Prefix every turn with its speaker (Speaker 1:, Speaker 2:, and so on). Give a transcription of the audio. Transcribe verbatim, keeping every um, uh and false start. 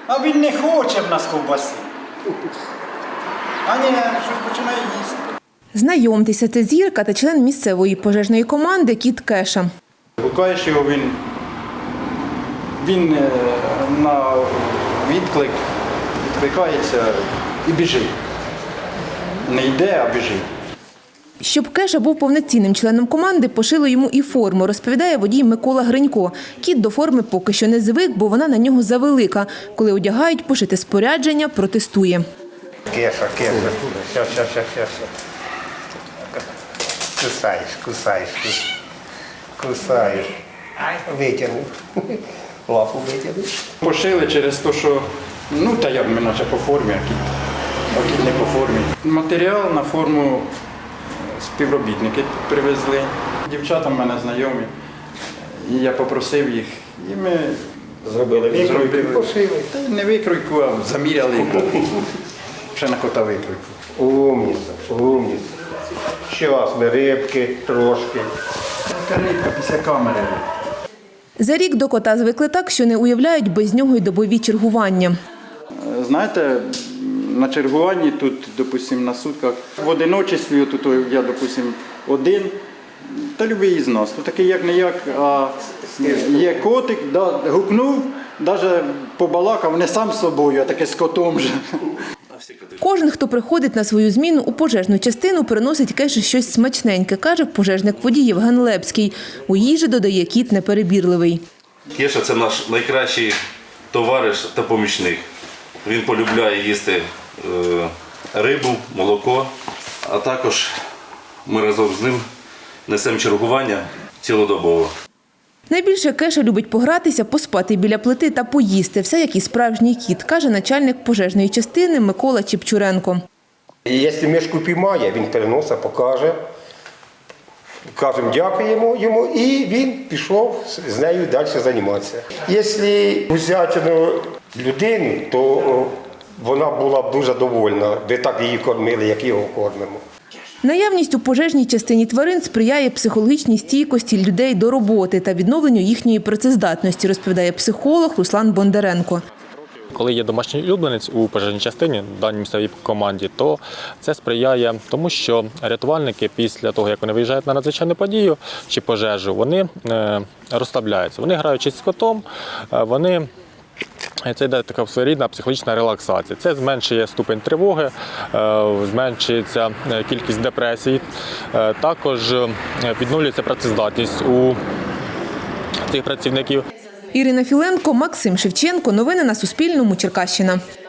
Speaker 1: А він не хоче в нас ковбаси. А ні, щось починає їсти.
Speaker 2: Знайомтеся, це зірка та член місцевої пожежної команди кіт Кеша.
Speaker 1: Гукаєш його, він, він на відклик відкликається і біжить. Не йде, а біжить.
Speaker 2: Щоб Кеша був повноцінним членом команди, пошили йому і форму, розповідає водій Микола Гринько. Кіт до форми поки що не звик, бо вона на нього завелика. Коли одягають пошите спорядження, протестує.
Speaker 3: Кеша, кеша. Щас, щас, щас, щас. Кусаєш, кусаєш, кусаєш. Витягнув. Лапу витягнув.
Speaker 1: Пошили через те, що, ну та як ми наче по формі, а кіт, а кіт не по формі. Матеріал на форму співробітники привезли. Дівчата в мене знайомі. І я попросив їх, і ми
Speaker 3: Зробили викройку, пошили.
Speaker 1: Та й не викройку, а заміряли. Ще на кота викройку.
Speaker 3: Умніця, умніця. Щас ми рибки трошки.
Speaker 1: Така рибка після камери.
Speaker 2: За рік до кота звикли так, що не уявляють без нього й добові чергування.
Speaker 1: Знаєте, на чергуванні тут, допустимо, на сутках, в одиночестві, тут я, допустимо, один, та любий із нас. Тут такий як-не-як, а є котик, да, гукнув, навіть побалакав, не сам з собою, а таке з котом же.
Speaker 2: Кожен, хто приходить на свою зміну у пожежну частину, приносить Кеші щось смачненьке, каже пожежник-водій Євген Лепський. У їжі, додає, кіт неперебірливий.
Speaker 4: Кеша – це наш найкращий товариш та помічник. Він полюбляє їсти е, рибу, молоко, а також ми разом з ним несемо чергування цілодобово.
Speaker 2: Найбільше Кеша любить погратися, поспати біля плити та поїсти. Все як і справжній кіт, каже начальник пожежної частини Микола Чепчуренко.
Speaker 3: І якщо мишку піймає, він переносить, покаже. Кажемо, дякуємо йому, і він пішов з нею далі займатися. Якщо взяти людину, то вона була б дуже довольна. Ви так її кормили, як його кормимо.
Speaker 2: Наявність у пожежній частині тварин сприяє психологічній стійкості людей до роботи та відновленню їхньої працездатності, розповідає психолог Руслан Бондаренко.
Speaker 5: Коли є домашній улюбленець у пожежній частині, в даній місцевій команді, то це сприяє тому, що рятувальники після того, як вони виїжджають на надзвичайну подію чи пожежу, вони розслабляються. Вони граючи з котом, вони це йде така своєрідна психологічна релаксація. Це зменшує ступень тривоги, зменшується кількість депресій, також відновлюється працездатність у цих працівників.
Speaker 2: Ірина Філенко, Максим Шевченко. Новини на Суспільному. Черкащина.